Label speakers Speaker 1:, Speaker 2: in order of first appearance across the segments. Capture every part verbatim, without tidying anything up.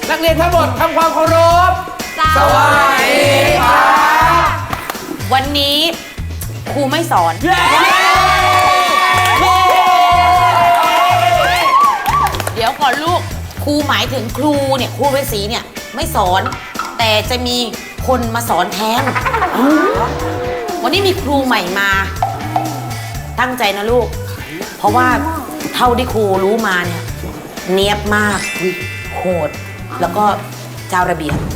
Speaker 1: นักเรียนทั้งหมดทำความเคารพสวัสดีครับ
Speaker 2: วันนี้ครูไม่สอนเดี๋ยวก่อนลูกครูหมายถึงครูเนี่ยครูฤาษีเนี่ยไม่สอนแต่จะมีคนมาสอนแทนวันนี้มีครูใหม่มาตั้งใจนะลูกเพราะว่าเท่าที่ครูรู้มาเนี่ยเนียบมากโหดแล้วก็เจ้าระเบียบ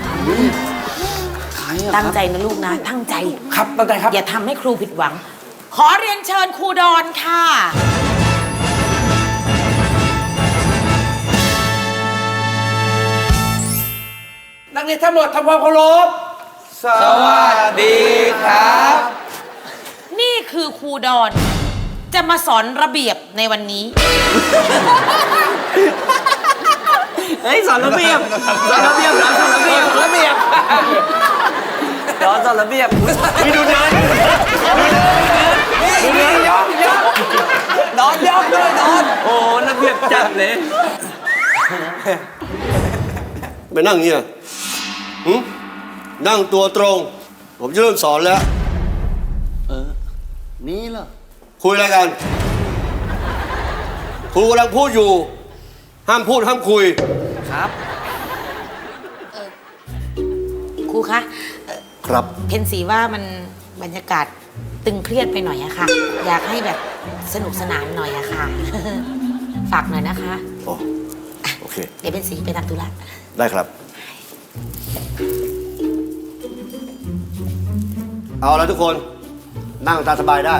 Speaker 2: ตั้งใจนะลูกนะตั้งใจ
Speaker 1: ครับตั้งใจครับ
Speaker 2: อย่าทำให้ครูผิดหวังขอเรียนเชิญครูดอนค่ะ
Speaker 1: นักเรียนทั้งหมดทำความเคารพสวัสดีครับ
Speaker 2: นี่คือครูดอนจะมาสอนระเบียบในวันนี้
Speaker 3: เฮ้ยสอนระเบียบสอนระเบียบสอนระเบียบระเบียบสอนสอนระเบียบมีดูเดินดูเดินยอมยอมนอนยอมด้วยนอนโอ้ระเบียบจัดเลย
Speaker 4: ไปนั่งเงี้ยนั่งตัวตรงผมจะเริ่มสอนแล้ว
Speaker 3: เออนี่เหรอ
Speaker 4: คุยอะไรกันครูกำลังพูดอยู่ห้ามพูดห้ามคุย
Speaker 3: ครับ
Speaker 2: ครูคะ
Speaker 4: ครับ
Speaker 2: เพนสีว่ามันบรรยากาศตึงเครียดไปหน่อยอะค่ะอยากให้แบบสนุกสนานหน่อยอะค่ะฝากหน่อยนะคะ
Speaker 4: อ๋อโอเค
Speaker 2: เดี๋ยวเพนสีไปทำธุระ
Speaker 4: ได้ครับเอาแล้วทุกคนนั่งตามสบายได้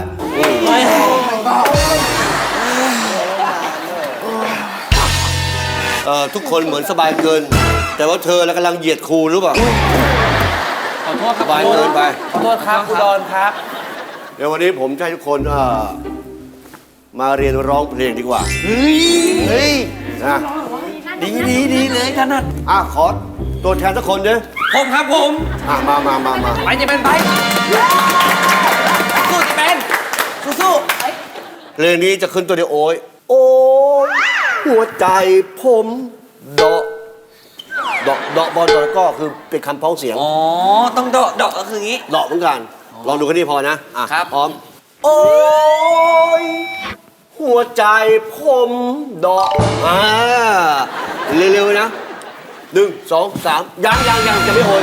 Speaker 4: เอ่อทุกคนเหมือนสบายเกินแต่ว่าเธอแล้วกำลังเหยียดครูหรือเปล่า
Speaker 1: ขอโทษครับ
Speaker 4: สบายเกินไป
Speaker 1: ขอโทษครับครูดอนครับ
Speaker 4: เดี๋ยววันนี้ผมจะให้ทุกคนมาเรียนร้องเพลงดีกว่า
Speaker 3: เฮ้ยเฮ้ย
Speaker 4: นะ
Speaker 3: ดีดีดีเลยท่านนัท
Speaker 4: อ่ะขอตัวแทนสักคนเด้อ
Speaker 1: ผมครับผม
Speaker 4: อ่ะมามามามา
Speaker 1: ไปจะเป็นไปสู้จะเป็นสู้สู้
Speaker 4: เพลงนี้จะขึ้นตัวเดียวโอ้ยโอ้ยหัวใจผมเดาะเดาะเดาะบอลเดาะก็คือเป็นคำพ้องเสียง
Speaker 3: อ๋อต้องเดาะเดาะก็คืองี้
Speaker 4: เดาะเหมือนกันลองดูแค่นี้พอนะอ่ะ
Speaker 3: ครับ
Speaker 4: พร้อมโอ้ยหัวใจผมเดาะอ่าเร็วๆนะหนึ่งสองสามยังยังยังจะไม่โอย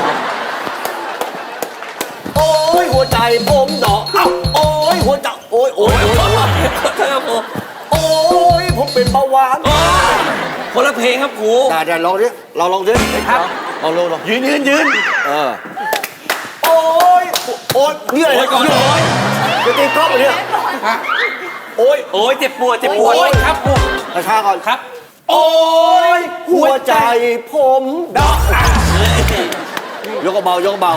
Speaker 4: โอ้ยหัวใจผมเดาะอ้าวโอ้ยหัวใจโอ้ยโอ้ยโอ้ย
Speaker 3: เธอผม
Speaker 4: โอ้ยผมเป็นเบาหวาน
Speaker 3: คนละเพลงครับครู
Speaker 4: ได้ได้ลองดิเราลองดิครับลองลองลอง
Speaker 3: ยืนยืนยืน
Speaker 4: เออโอ้ยโอ้ยนี่อะไรก่อนจะตีกล้องเนี่ยโอ้ย
Speaker 3: โอ้ยเจ็บปวดเจ็บปวด
Speaker 1: ครับครู
Speaker 4: กระชากก่อน
Speaker 1: ครับ
Speaker 4: โอ้ยหัวใจผมเดาะยกเบายกเบา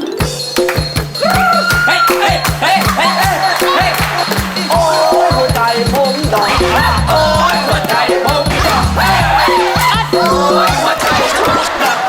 Speaker 1: เฮ้ยเฮ้ยเฮ้ยเฮ้ยเฮ้ย
Speaker 4: โอ้ยหัวใจผมเดาะ
Speaker 1: โอ้ยหัวใจผมเดาะโอ้ยหัวใจผมเดาะ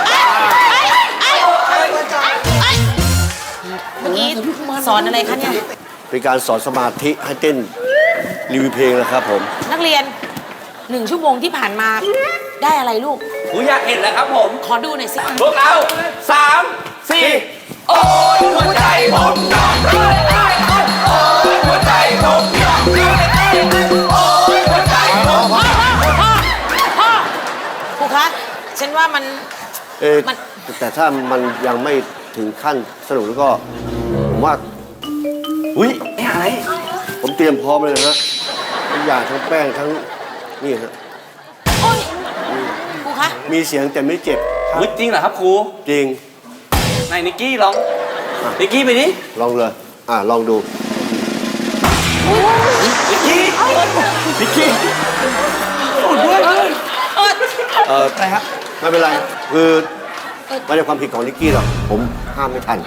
Speaker 2: เมื่อกี้สอนอะไรคะเนี่ย
Speaker 4: เป็นการสอนสมาธิให้เต้นรีวิวเพลงนะครับผม
Speaker 2: นักเรียนหนึ่งชั่วโมงที่ผ่านมาได้อะไรลูก
Speaker 3: ครูอยากเห็นแล้วครับผม
Speaker 2: ขอดูหน่อยสิ
Speaker 3: พวกเราสามสี่
Speaker 1: โอ้ยหัวใจผมเดาะโอ้ยหัวใจผมเดาะโอ้ยหัวใจผม
Speaker 2: พ่อพ่อพ่อครูคะฉันว่ามัน
Speaker 4: เออแต่ถ้ามันยังไม่ถึงขั้นสนุกแล้วก็ผมว่า
Speaker 3: อุ้ยไม่อะไร
Speaker 4: ผมเตรียมพร้อมเลยนะฮะทั้งยาทั้งแป้งทั้งนี่ฮะ
Speaker 2: โอ้ยครูคะ
Speaker 4: มีเสียงแต่ไม่เจ็บ
Speaker 3: อุ้ยจริงเหรอครับครู
Speaker 4: จริง
Speaker 3: นายนิกกี้ลองนิกกี้ไปดิ
Speaker 4: ลองเลยอ่ะลองดู
Speaker 3: นิกกี้นิกกี้
Speaker 4: อุดด้วยเอออะไรครับไม่เป็นไรคือไม่ใช่ความผิดของนิกกี้หรอกผมห้ามไม่ทัน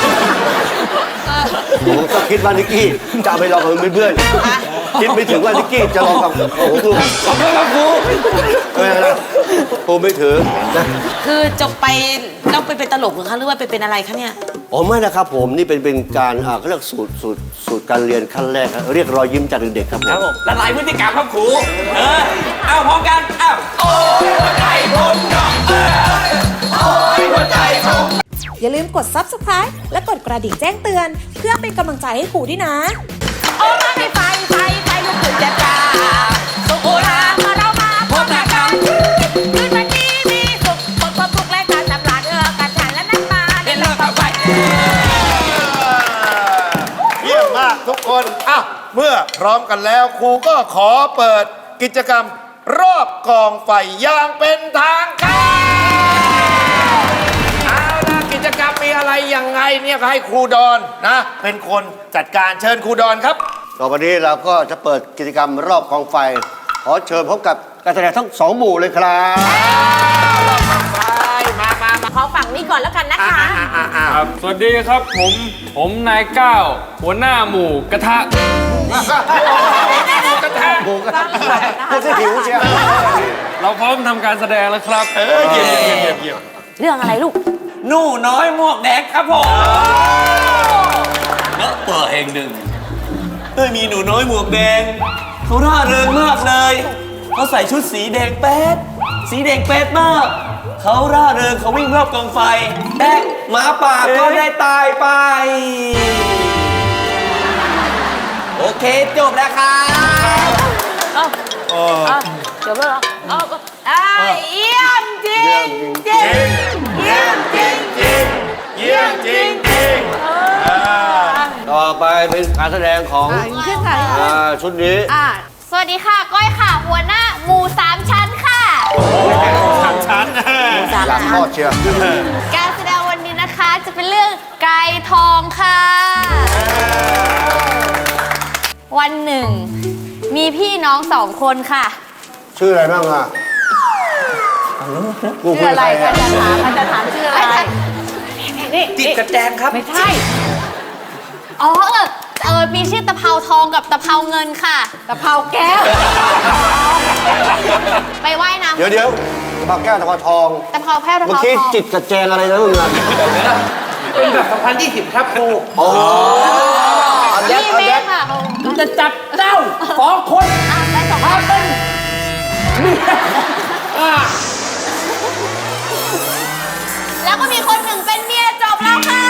Speaker 4: ผมก็คิดว่านิกกี้จะไปลองกับเพื่อนๆคิดไม่ถึงว่านิกกี้จะลองกับโอ้โห
Speaker 3: ขอบคุณครับครู
Speaker 4: ไม่เป็นไรครูไม่ถือนะ
Speaker 2: คือจบไปต้องไปเป็นตลกหรือคะหรือว่าไปเป็นอะไรคะเนี่ย
Speaker 4: อ๋อไม่นะครับผมนี่เป็นเป็นการอ่าเขาเรียกสูตรสูตรสูตรการเรียนขั้นแรกครับเรียกรอยยิ้มจากเด็กๆครับผม
Speaker 3: ละลายพฤติกรรมครับครูเออเอาพร้อมกันเอาโอ้ยหัวใจผมเดาะ
Speaker 5: อย่าลืมกด ซับสไครบ์ และกดกระดิ่งแจ้งเตือน เพื่อเป็นกำลังใจให้ครูด้วยนะ
Speaker 2: โอ้มาไฟไฟไฟไฟลุกขึ้นจะจ้าสุโขทัยมาเรามาพบกันคืนวันนี้มีสุขหมดความทุกข์และการสำราญเออการฉันและนั้นมาเดินเลิกเอาไป
Speaker 6: เยี่ยมมากทุกคนอ่ะเมื่อพร้อมกันแล้วครูก็ขอเปิดกิจกรรมรอบกองไฟอย่างเป็นทางการเอาล่ะกิจกรรมมีอะไรยังไงเนี่ยก็ให้ครูดอนนะเป็นคนจัดการเชิญครูดอนครับ
Speaker 4: ต่อไปนี้เราก็จะเปิดกิจกรรมรอบกองไฟ ขอเชิญพบกับการแสดงทั้งสองหมู่เลยครับ
Speaker 2: มามามาขอฝั่งนี้ก่อนแล้วกันนะคะ
Speaker 7: ครับสวัสดีครับผม ผมนายก้าวหัวหน้าหมู่กระทะ
Speaker 4: หมูกระทะพูดซะหิวเชียว
Speaker 7: เราพร้อมทำการแสดงแล้วครับ
Speaker 6: เออเยี่ยมเยี่ยมเยี่ยมเยี่ยม
Speaker 2: เรื่องอะไรลูก
Speaker 3: หนูน้อยหมวกแดงครับผมแล้วตัวเองหนึ่งเอ้ยมีหนูน้อยหมวกแดงเขาร่าเริงมากเลยเขาใส่ชุดสีแดงแป๊ดสีแดงแป๊ดมากเขาร่าเริงเขาวิ่งรอบกองไฟแต่หมาป่าก็ได้ตายไป โอเคจบแล้วครับ
Speaker 2: จบแล้วเหรอเอาก็อ่าเยี่ยมจริงจริงเยี่ยมจริงจริง
Speaker 6: เยี่ยมจริงจริง
Speaker 4: ต่อไปเป็นการแสดงของอ่าชุดนี้
Speaker 8: สวัสดีค่ะ ก้อยค่ะ หัวหน้าหมู่สามชั้นค่ะ
Speaker 6: สามชั้น
Speaker 4: อยากทอดเชียว
Speaker 8: การแสดงวันนี้นะคะจะเป็นเรื่องไก่ทองค่ะ วันหนึ่ง มีพี่น้องสองคนค่ะ
Speaker 4: ชื่ออะไรบ้างอ่ะกูคุยกับใครอ่ะ
Speaker 2: มันจะถามชื่ออะไรนี่
Speaker 3: ติดกระแจงครับ
Speaker 2: ไม่ใช่
Speaker 8: อ๋อเออเออมีชื่อตะเภาทองกับตะเภาเงินค่ะ
Speaker 2: ตะเภาแก้ว
Speaker 8: ไปว่ายน้ำ
Speaker 4: เดี๋ยวเดี๋ยวตะเภาแก้วตะเภาทอง
Speaker 8: ตะเภาแพ้วตะ
Speaker 4: เมื่อ
Speaker 8: เภา
Speaker 4: กี้
Speaker 8: ทอง
Speaker 4: จิตกระแจงอะไรนะมึงอ่ะ
Speaker 3: เป็นแบบสองพันยี่สิบครับครู
Speaker 4: โอ้อันเด็ด
Speaker 8: นี่
Speaker 4: อัน
Speaker 8: แม่
Speaker 4: เด็ด
Speaker 8: ค่ะเขา
Speaker 3: จะจับเจ้าสองคน
Speaker 8: อ่ะได้สองคน แล้วก็มีคนหนึ่งเป็นเมียจบแล้วค่ะ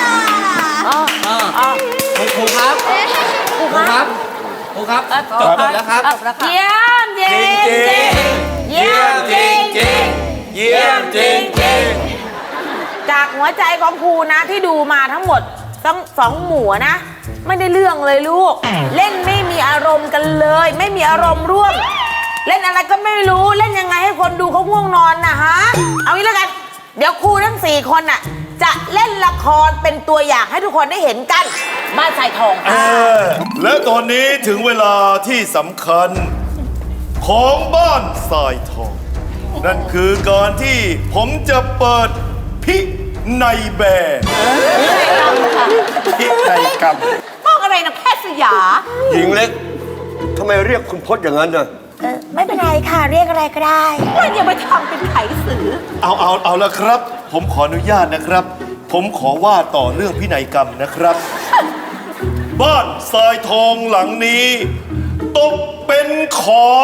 Speaker 3: ครูครับครูครับครูครับจบแล้วครับ
Speaker 2: เยี่ยมจริงจริงเยี่ยมจริงจริง
Speaker 6: เยี่ยมจริงจริง
Speaker 2: จากหัวใจของครูนะที่ดูมาทั้งหมดทั้งสองหมู่นะ ไม่ได้เรื่องเลยลูก เล่นไม่มีอารมณ์กันเลย ไม่มีอารมณ์ร่วม เล่นอะไรก็ไม่รู้เล่นยังไงให้คนดูเขาง่วงนอนนะฮะเอางี้แล้วกัน เดี๋ยวครูทั้งสี่คนน่ะจะเล่นละครเป็นตัวอย่างให้ทุกคนได้เห็นกันบ้านสายทอง
Speaker 6: เออและตอนนี้ถึงเวลาที่สำคัญของบ้านทรายทอง นั่นคือการที่ผมจะเปิดพินัยแบร์พินัยกรรม
Speaker 2: ต้องอะไรนะแพทย์สยา
Speaker 4: หญิงเล็กทำไมเรียกคุณพจน์อย่างนั้นน่ะ
Speaker 2: ไม่เป็นไรค่ะเรียกอะไรก็ได้ว่าอย่าไปทำเป็นไขสือ
Speaker 6: เอาเอาเอาละครับ ผมขออนุญาตนะครับ ผมขอว่าต่อเรื่องพินัยกรรมนะครับ บ้านทรายทองหลังนี้ตกเป็นของ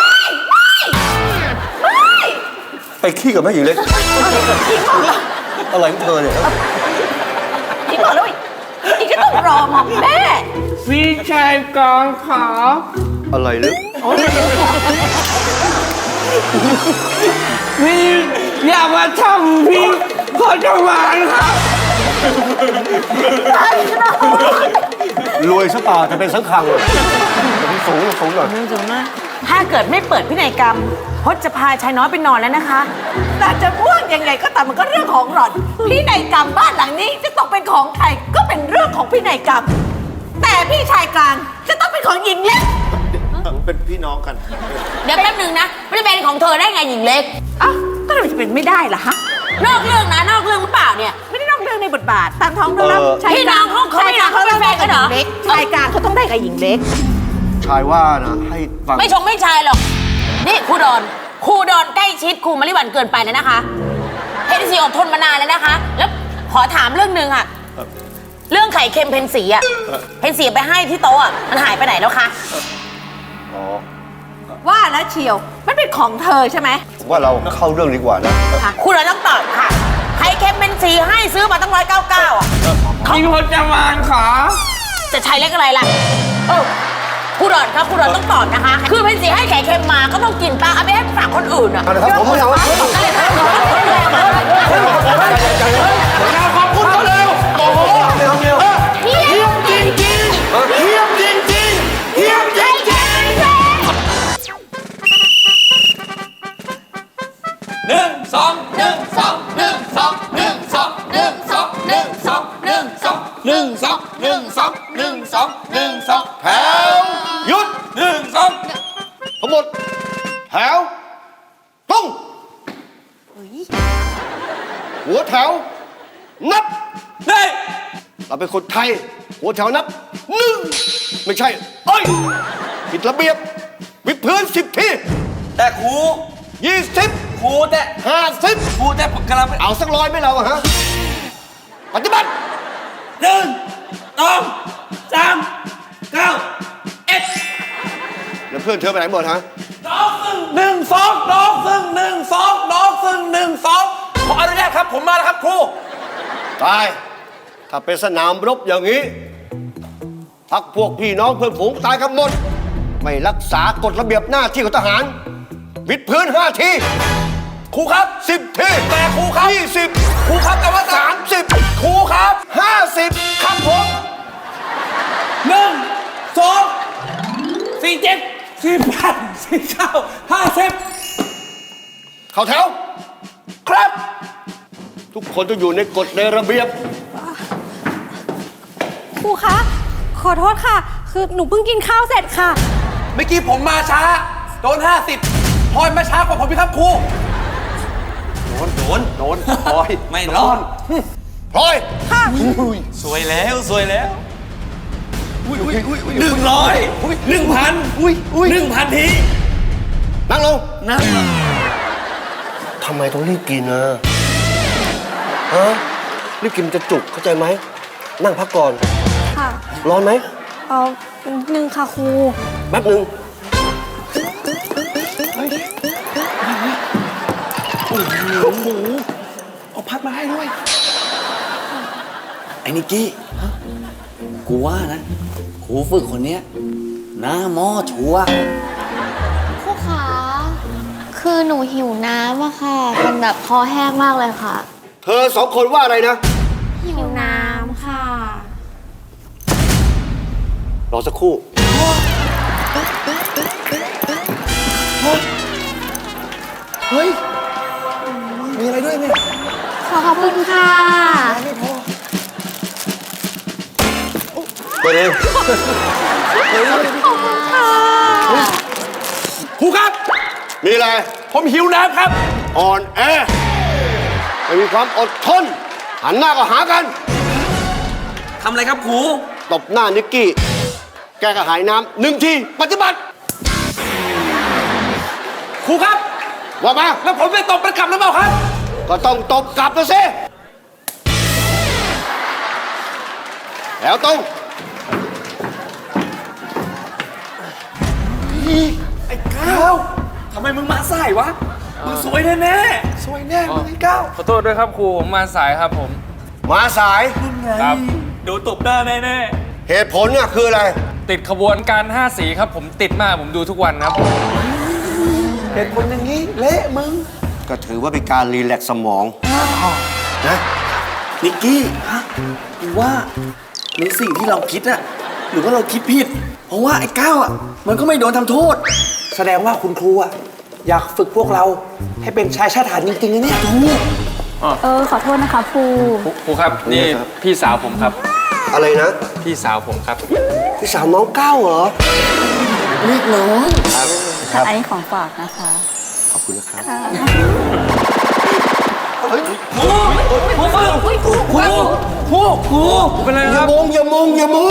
Speaker 4: ไปขี้กับแม่หญิงเล็กอะไรของเธอเนี่ย
Speaker 2: อีกบอกเลยอีกก็ต้องรอมาแม่
Speaker 7: พี่ชายกองขอ
Speaker 4: อะไรลึก
Speaker 7: พี่อย่ามาทำพี่ขอจะหวานครับ
Speaker 4: รวยซะเปล่าจะเป็นสังขังสูงสูงหน่อย
Speaker 2: ถ้าเกิดไม่เปิดพินัยกรรมพจน์จะพาชายน้อยไปนอนแล้วนะคะ แต่จะพูดยังไงก็ตามมันก็เรื่องของหล่อนพินัยกรรมบ้านหลังนี้จะตกเป็นของใครก็เป็นเรื่องของพินัยกรรม แต่พี่ชายกลางจะต้องเป็นของหญิงเล็ก
Speaker 6: เป็นพี่น้องกัน
Speaker 2: เดี๋ยวแป๊บนึงนะไม่ได้เป็นของเธอได้ไงหญิงเล็กอ้าวก็ทำไมจะเป็นไม่ได้ล่ะฮะนอกเรื่องนะนอกเรื่องหรือเปล่าเนี่ยไม่ได้นอกเรื่องในบทบาทตามท้องเรื่องพี่น้องเขาเขาพี่น้องเขาเป็นแฟนกันเหรอชายกลางเขาต้องได้กับหญิงเล็ก
Speaker 4: ชายว่านะให้ฟัง
Speaker 2: ไม่ชงไม่ชายหรอก นี่ครูดอนครูดอนใกล้ชิดครูมะลิวันเกินไปแล้วนะคะเพนสีอดทนมานานแล้วนะคะ แล้วขอถามเรื่องหนึ่งอะเรื่องไข่เค็มเพนสีอะเพนสีไปให้ที่โต๊ะอะมันหายไปไหนแล้วคะ
Speaker 4: อ๋อ
Speaker 2: ว่าแล้วเชียวมันเป็นของเธอใช่ไหม
Speaker 4: ผมว่าเราเข้าเรื่องดีกว่านะ
Speaker 2: ครูดอนต้องตอบค่ะไข่เค็มเป็นสีให้ซื้อมาตั้งร้อยเก้าเก้าอ่ะ
Speaker 7: มีพจมานขา
Speaker 2: จะใช้เล็กอะไรล่ะเออครูดอนครับครูดอนต้องตอบนะคะ คือเป็นสีให้ไข่เค็มมาก็ต้องกินปลาเอาไปให้ฝากคนอื่นอ่ะ
Speaker 4: เอาละครับผมไม่เอา
Speaker 2: ก็เลยค่ะ
Speaker 6: ขอบคุณเขาเร็วโอ้โห
Speaker 4: ไม่เอาไม่เอา
Speaker 6: เฮี้ยมจริงจริงเฮี้ยมจริงจริงเฮี้ยมจริงจริง
Speaker 1: หนึ่งสองหนึ่งสองหนึ่งสองหนึ่งสองหนึ่งสองหนึ่งสองหนึ่งสองหนึ่งสองหนึ่งสองหนึ่งสองหนึ่งสอง
Speaker 6: แถวหยุด
Speaker 1: หนึ่งสอง
Speaker 6: ทั้งหมดแถวตรงหัวแถวนับ
Speaker 1: เฮ้ย
Speaker 6: เราเป็นคนไทย หัวแถวนับหนึ่งไม่ใช่เอ้ยผิดระเบียบวิดพื้นสิบที
Speaker 3: แต่ครู
Speaker 6: ยี่สิบ
Speaker 3: ครูแต่
Speaker 6: ห้าสิบ
Speaker 3: ครูแต่กำลัง
Speaker 6: เอาสักร้อยไหมเราอะฮะปฏิบัติ
Speaker 3: หนึ่งสองสามเก้าเอ็ด
Speaker 6: แล้วเพื่อนเธอไปไหนหมดฮะ
Speaker 3: ดอกซึ่งหนึ่งสองดอกซึ่งหนึ่งสองดอกซึ่งหนึ่งสองขออนุญาตครับผมมาแล้วครับครู
Speaker 6: ตาย ถ้าเป็นสนามรบอย่างนี้ พักพวกพี่น้องเพื่อนฝูงตายกันหมด ไม่รักษากฎระเบียบหน้าที่ของทหาร วิดพื้นห้าที
Speaker 3: ครูครับ
Speaker 6: สิบที
Speaker 3: แต่ครูครับ
Speaker 6: ยี่สิบ
Speaker 3: ครูครับแต่ว่า
Speaker 6: สามสิบ
Speaker 3: ครูครับ
Speaker 6: ห้าสิบ
Speaker 3: ครับผมหนึ่งสองสี่เจ็ดสี่แปดสี่เก้าห้าสิบ
Speaker 6: เข้าแถว
Speaker 3: ครับ
Speaker 6: ทุกคนต้องอยู่ในกฎในระเบียบ
Speaker 5: ครูคะ ขอโทษค่ะ คือหนูเพิ่งกินข้าวเสร็จค่ะ
Speaker 3: เมื่อกี้ผมมาช้า โดนห้าสิบพลอยมาช้ากว่าผมพี่ครับครูโดนโดนโดนพลอยไม่รอด
Speaker 6: พลอย
Speaker 3: สวยแล้วสวยแล้วหนึ่งร้อยหนึ่งพันหนึ่งพันที
Speaker 6: นั่งลง
Speaker 3: นั่ง
Speaker 6: ทำไมต้องรีบกินนะฮะรีบกินมันจะจุกเข้าใจไหม นั่งพักก่อน
Speaker 5: ค่ะ
Speaker 6: ร้อนไหม
Speaker 5: เอาหนึ่งค่ะครู
Speaker 6: แป๊บหนึ่ง
Speaker 3: เอาพัดมาให้ด้วยไอ้นิกกี้กูว่านะครูฝึกคนเนี้ยหน้าหม้อชัวร์
Speaker 8: ครูขาคือหนูหิวน้ำอะค่ะมันแบบคอแห้งมากเลยค่ะ
Speaker 6: เธอสองคนว่าอะไรนะ
Speaker 8: หิวน้ำค่ะ
Speaker 6: รอสักครู่
Speaker 3: เฮ้ยมีอะไรด้วยเนี่ย
Speaker 8: ขอขอบคุณค่ะ
Speaker 6: ไปเลย
Speaker 3: ครูครับ
Speaker 6: มีอะไร
Speaker 3: ผมหิวน้ำครับ
Speaker 6: อ่อนแอ ไม่มีความอดทน หันหน้าก็หากัน
Speaker 3: ทำอะไรครับครู
Speaker 6: ตบหน้านิกกี้ แกกระหายน้ำหนึ่งที ปฏิบัติ
Speaker 3: ครูครับ
Speaker 6: ว่ามา
Speaker 3: แล้วผมไปตบมันกลับหรือเปล่าครับ
Speaker 6: ก็ต้องตบกลับนะสิแล้วตรง
Speaker 3: ไอ้ก้าวทำไมมึงมาสายวะ มึงสวยแน่แน่ๆสวยแน่มึงไอ้ก้าว
Speaker 7: ขอโทษด้วยครับครูผมมาสายครับผม
Speaker 6: มาสาย
Speaker 7: ครับ
Speaker 3: โดนตบหน้าแน่แน่
Speaker 6: เหตุผลเนี่ยคืออะไร
Speaker 7: ติดขบวนการห้าสีครับผมติดมากผมดูทุกวันครับ
Speaker 3: ๆเหตุผลอย่างนี้เละมึง
Speaker 6: ก็ถือว่าเป็นการรีแลกซ์สมองนะ
Speaker 3: นิกกี้ฮะกูว่าในสิ่งที่เราคิดอะหรือว่าเราคิดผิด เพราะว่าไอ้ก้าวอะมันก็ไม่โดนทำโทษ แสดงว่าคุณครูอะอยากฝึกพวกเราให้เป็นชายชาติทหารจริงๆนะเนี่ยถูก
Speaker 5: เออ ขอโทษนะคะครู
Speaker 7: ครูครูครับนี่พี่สาวผมครับ
Speaker 6: อะไรนะ
Speaker 7: พี่สาวผมครับ
Speaker 6: พี่สาวน้องก้าวเหรอ
Speaker 3: เรียกน้อง
Speaker 5: อันนี้ของฝากนะคะ
Speaker 6: ขอบคุณนะครับ
Speaker 3: ครูครูครูครูครูครู
Speaker 7: เป็นไร
Speaker 6: อ
Speaker 7: ค
Speaker 6: ย่า
Speaker 7: รับ
Speaker 6: มุงอย่ามุงอย่ามุง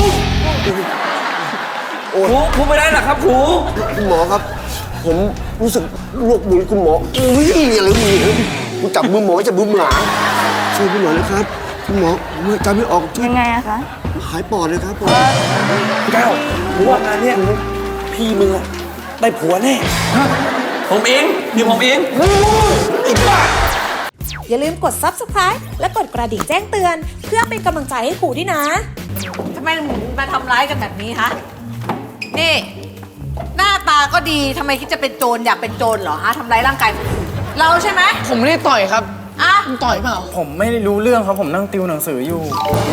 Speaker 3: ครูครูไม่ได้หรอครับครู
Speaker 6: คุณหมอครับ ผมรู้สึกโรคบุญคุณหมออุ้ยอะไรมีคุณจับมือหมอจับมือหมาช่วยคุณหมอนะครับ คุณหมอผมจำไม่ออกช่วย
Speaker 5: ยังไงอะคะ
Speaker 6: หายปอดเลยครับผม
Speaker 3: ก้าวกูว่างานเนี้ยพี่มึงอะได้ผัวแน่ ผมเองเดี๋ยวผมเองไอ้บ้า
Speaker 5: อย่าลืมกด ซับสไครบ์ และกดกระดิ่งแจ้งเตือน เพื่อเป็นกำลังใจให้ครูด้วยนะ
Speaker 9: ทำไมหนูมาทำร้ายกันแบบนี้ฮะ นี่ หน้าตาก็ดีทำไมคิดจะเป็นโจรอยากเป็นโจรเหรอฮะทำร้ายร่างกายคนอื่นเราใช่ไหม
Speaker 1: ผมไม่ได้ต่อยครับ
Speaker 9: อ่ะ
Speaker 1: ผมต่อยเปล่า
Speaker 7: ผมไม่ได้รู้เรื่องครับผมนั่งติวหนังสืออยู่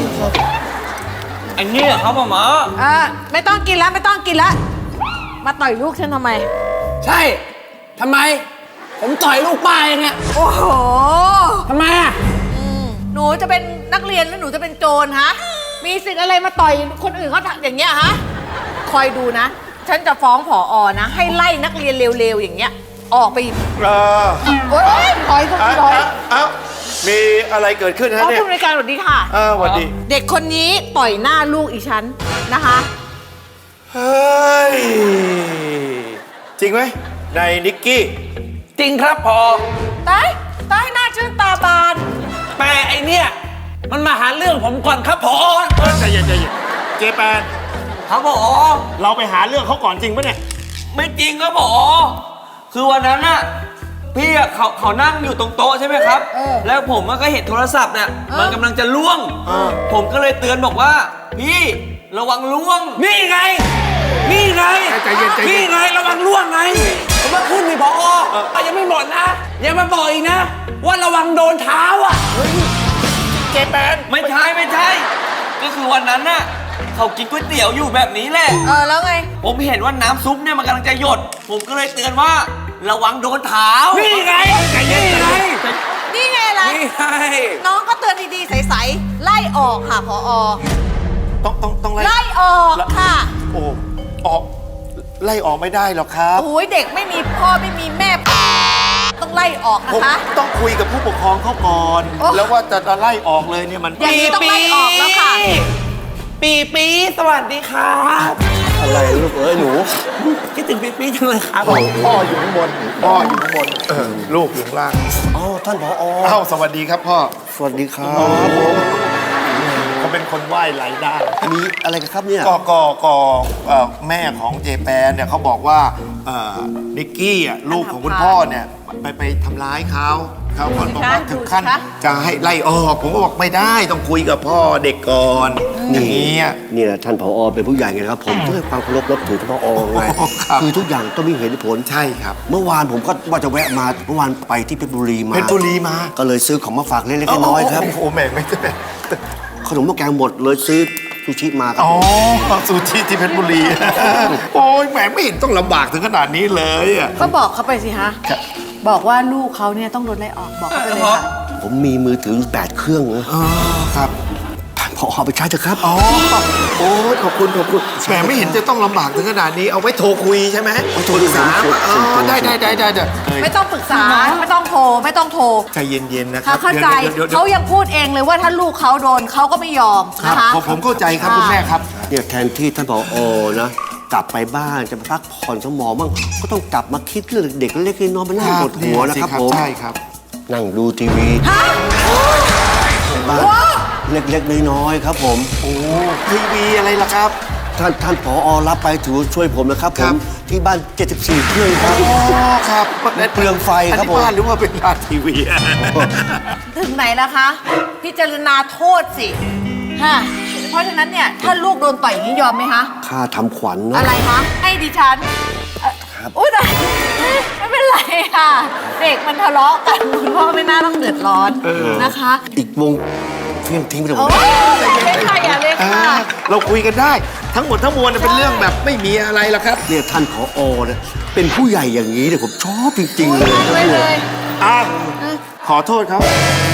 Speaker 3: อันนี้เหรอครับหมอหมอ
Speaker 9: อ่ะไม่ต้องกินแล้วไม่ต้องกินแล้วมาต่อยลูกฉันทำไม
Speaker 1: ใช่ทำไม ผมต่อยลูกป้าเองเนี่ย
Speaker 9: โอ้โห
Speaker 1: ทำไมอ่ะ
Speaker 9: หนูจะเป็นนักเรียนหรือหนูจะเป็นโจรฮะมีสิทธิ์อะไรมาต่อยคนอื่นเขาอย่างเงี้ยฮะคอยดูนะ ฉันจะฟ้องผออนะ ให้ไล่นักเรียนเร็วๆอย่างเงี้ยออกไป
Speaker 6: เออ
Speaker 9: โอ๊ยถอยก็
Speaker 6: เอ้า
Speaker 9: ถอย
Speaker 6: เอ้ามีอะไรเกิดขึ้น
Speaker 9: อ๋
Speaker 6: ฮะ
Speaker 9: อ
Speaker 6: เนี่ย
Speaker 9: ผู้บริการสวัสดีค่ะ
Speaker 6: เออสวัสดี
Speaker 9: เด็กคนนี้ต่อยหน้าลูกอีฉันนะคะ
Speaker 6: เฮ้ย จริงไหมนายนิกกี้
Speaker 1: จริงครับพอ
Speaker 9: ตายตายหน้าชื่นตาบาน
Speaker 1: แต่ไอเนี่ยมันมาหาเรื่องผมก่อนครับพอ
Speaker 6: เออใจเย็นใจเย็นเจแปน
Speaker 3: ครับหมอ
Speaker 6: เราไปหาเรื่องเขาก่อนจริงปะเนี่ย
Speaker 3: ไม่จริงครับหมอคือวันนั้นน่ะพี่อะเขาเขานั่งอยู่ตรงโต๊ะใช่ไหมครับ แล้วผมก็เห็นโทรศัพท์เนี่ยมันกำลังจะล่วง ผมก็เลยเตือนบอกว่า พี่ระวังล่วง
Speaker 1: นี่ไง นี่ไง
Speaker 6: ใจเย็นใจเย็น
Speaker 1: นี่ไงระวังล่วงไง ผมว่าขึ้นมีพออ่ะยังไม่หมดนะอย่ามาบอกอีกนะ ว่าระวังโดนเท้าอ่ะ
Speaker 6: เจแปน
Speaker 3: ไม่ใช่ไม่ใช่ ก็คือวันนั้นน่ะเขากินก๋วยเตี๋ยวอยู่แบบนี้แหละ
Speaker 9: เออแล้วไง
Speaker 3: ผมเห็นว่าน้ำซุปเนี่ยมันกำลังจะหยด ผมก็เลยเตือนว่า ระวังโดนเท้า
Speaker 1: นี่ไงนี่ไง
Speaker 9: นี่ไงอะไร
Speaker 1: นี่ไง
Speaker 9: น้องก็เตือนดีๆใสๆไล่ออกค่ะพออ
Speaker 6: ต้องต้องต้องไล่
Speaker 9: ไล่ออกค่ะ
Speaker 6: โอ้ออกไล่ออกไม่ได้หรอกครับ
Speaker 9: โอ้ยเด็กไม่มีพ่อไม่มีแม่ ต้องไล่ออก
Speaker 6: ผม
Speaker 9: นะคะ
Speaker 6: ต้องคุยกับผู้ปกครองเขาก่อน
Speaker 9: โอ้
Speaker 6: แล้วว่าจะไล่ออกเลยเนี่ยมัน
Speaker 9: อย่างนี้ต้องไล่ออกแล้วค่ะ
Speaker 1: ปีปีสวัสดีครับ
Speaker 4: อะไรลูกเอ้ยหนู
Speaker 1: คิดถึงปีปีจังเลยครับ
Speaker 6: พ่ออยู่ข้างบนพ่ออยู่ข้างบนเออลูกอยู่ข้างล่าง
Speaker 4: อ๋อท่านผอ
Speaker 6: เอ้าสวัสดีครับพ่อ
Speaker 4: สวัสดีครับ
Speaker 6: อ๋อผมเขาเป็นคนไหว้หลายด้าน
Speaker 4: มีอะไรกันครับเนี่ย
Speaker 6: ก็ก็ก็เอ่อแม่ของเจแปนเนี่ยเขาบอกว่าเอ่อนิกกี้อ่ะลูกของคุณพ่อเนี่ยไปไปทำร้ายเขาเขาคนบอกว่าถึงขั้นจะให้ไล่ออก ผมก็บอกไม่ได้ต้องคุยกับพ่อเด็กก่อนอย่างนี้อ่ะ
Speaker 4: นี่แหละท่านผอเป็นผู้ใหญ่ไงนะครับ ผมต้องให้ความเคารพนับถือท่านผอไง
Speaker 6: ครับ
Speaker 4: คือทุกอย่างต้องมีเหตุผล
Speaker 6: ใช่ครับ
Speaker 4: เมื่อวานผมก็ว่าจะแวะมาเมื่อวานไปที่เพชรบุรีมา
Speaker 6: เพชรบุรีมา
Speaker 4: ก็เลยซื้อของมาฝากเล็กๆน้อยๆครับ
Speaker 6: โอ้โหแม่ไม่ใช่
Speaker 4: ขนมหม้อแกงหมดเลยซื้อซูชิมาครับ
Speaker 6: อ๋อ
Speaker 4: ผม
Speaker 6: ซูชิที่เพชรบุรี โอ้ยแหมไม่เห็นต้องลำบากถึงขนาดนี้เลยอ่ะ
Speaker 9: ก็บอกเขาไปสิฮะ
Speaker 6: ครับ
Speaker 9: บอกว่าลูกเขาเนี่ยต้องโดนไล่ออกบอกเขาไปเลยค่ะ
Speaker 4: ผมมีมือถืออยู่แปดเครื่องนะ
Speaker 6: อ๋อครับ
Speaker 4: ท่านผอเอาไปใช้เถอะครับ
Speaker 6: อ๋อโอ้ยขอบคุณขอบคุณแหมไม่เห็นจะต้องลำบากถึงขนาดนี้เอาไว้โทรคุยใช่ไหม
Speaker 4: ไว้โทร
Speaker 6: ปรึกษา
Speaker 4: คุย
Speaker 6: อ๋อได้ได้ได้ได้ได้
Speaker 9: ไม่ต้องปรึกษาไม่ต้องโทรไม่ต้องโทร
Speaker 6: ใจเย็นๆนะครั
Speaker 9: เขา
Speaker 6: บ
Speaker 9: เข้าใจ
Speaker 6: ดี๋ยวดี๋ยวดี๋ยว
Speaker 9: เขายังพูดเองเลยว่าถ้าลูกเขาโดนเขาก็ไม่ยอม
Speaker 6: ครั
Speaker 9: นะ
Speaker 6: บ
Speaker 9: คะ
Speaker 6: ผมผมเข้าใจครับคุณแม่ครับ
Speaker 4: เนี่ยแทนที่ท่านผอนะกลับไปบ้านจะไปพักผ่อนสมองบ้างก็ต้องกลับมาคิดเรื่องเด็กเล็กๆน้อยๆมานั่งปวดหัวนะครับผม
Speaker 6: ใช่ครับ
Speaker 4: นั่งดูทีวี
Speaker 9: ฮะ
Speaker 4: บ้านเล็กๆน้อยๆครับผม
Speaker 6: โอ้ทีวีอะไรล่ะครับ
Speaker 4: ท่านท่านผอรับไปถือช่วยผมนะครับผ
Speaker 6: ครั
Speaker 4: ม
Speaker 6: บ
Speaker 4: ที่บ้าน เจ็ดสิบสี่ เครื่องครับ
Speaker 6: อ๋อครับ
Speaker 4: เปลืองไฟครับ
Speaker 6: อันนี้
Speaker 4: ผม
Speaker 6: บ้านหรือว่าเป็นร้านทีวี
Speaker 9: ถึงไหนแล้วคะ พิจารณาโทษสิฮะเพราะฉะนั้นเนี่ยถ้าลูกโดนต่อยอย่างนี้ยอมไหมคะ
Speaker 4: ค่าทำขวัญเนอะ
Speaker 9: อะไรคะให้ดิฉันเอ่ออุ้ยแต่ไม่เป็นไรค่ะ เด็กมันทะเลาะกันคุณพ่อไม่น่าต้องเดือดร้อนนะคะ
Speaker 4: อีกวงเพียงทิ้งไปเลย
Speaker 9: โอ้ยอย่าเลยค่ะอย่าเลย
Speaker 6: อ่า
Speaker 9: ค่ะ
Speaker 6: เราคุยกันได้ ทั้งหมดทั้งมวลเนี่ยเป็นเรื่องแบบไม่มีอะไรหรอกครับ
Speaker 4: เนี่ยท่านผอเนี่ยเป็นผู้ใหญ่อย่างนี้เนี่ยผมชอบจริงๆเลยครับ
Speaker 9: ไม่
Speaker 4: เนี่
Speaker 9: เลย ย
Speaker 6: อ่ะขอโทษครับ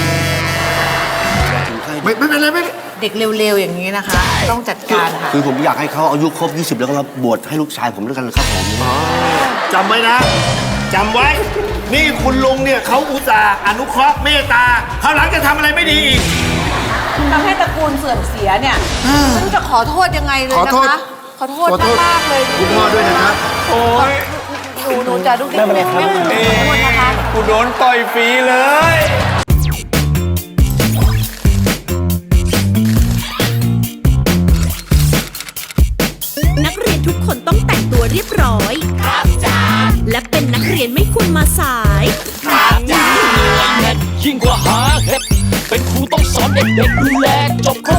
Speaker 6: ไม่ไม่เป็นไรไม่เป็นไร
Speaker 9: เด็กเร็วๆอย่างนี้นะคะ ต้องจัดการค่ะ
Speaker 4: คือผมอยากให้เขาอายุครบ ยี่สิบ แล้วก็มาบวชให้ลูกชายผมด้วยกันนะครับผม
Speaker 6: จำไว้นะจำไว้ นี่คุณลุงเนี่ยเขาอุตส่าห์อนุเคราะห์เมตตาคราวหลังจะทำอะไรไม่ดีอีก
Speaker 9: ทำให้ตระกูลเสื่อมเสียเนี่ยไม่รู้จะขอโทษยังไงเลย
Speaker 6: ขอ
Speaker 9: นะ
Speaker 6: โทษ
Speaker 9: คะ ขอโทษ
Speaker 6: ขอโทษ
Speaker 9: มากๆเลย
Speaker 6: คุณพ่อด้วยนะครับ
Speaker 7: โอ้ย
Speaker 9: หนูหนูจะดูดิไม่ไม่ขอโทษนะคะ
Speaker 7: กูโดนต่อยฟรีเลย
Speaker 10: นักเรียนทุกคนต้องแต่งตัวเรียบร้อย ครับจ้าและเป็นนักเรียนไม่ควรมาสาย
Speaker 1: ยิ่งกว่าหา
Speaker 11: าเห็ดเป็นครูต้องสอนเด็กๆดูแลจบครบ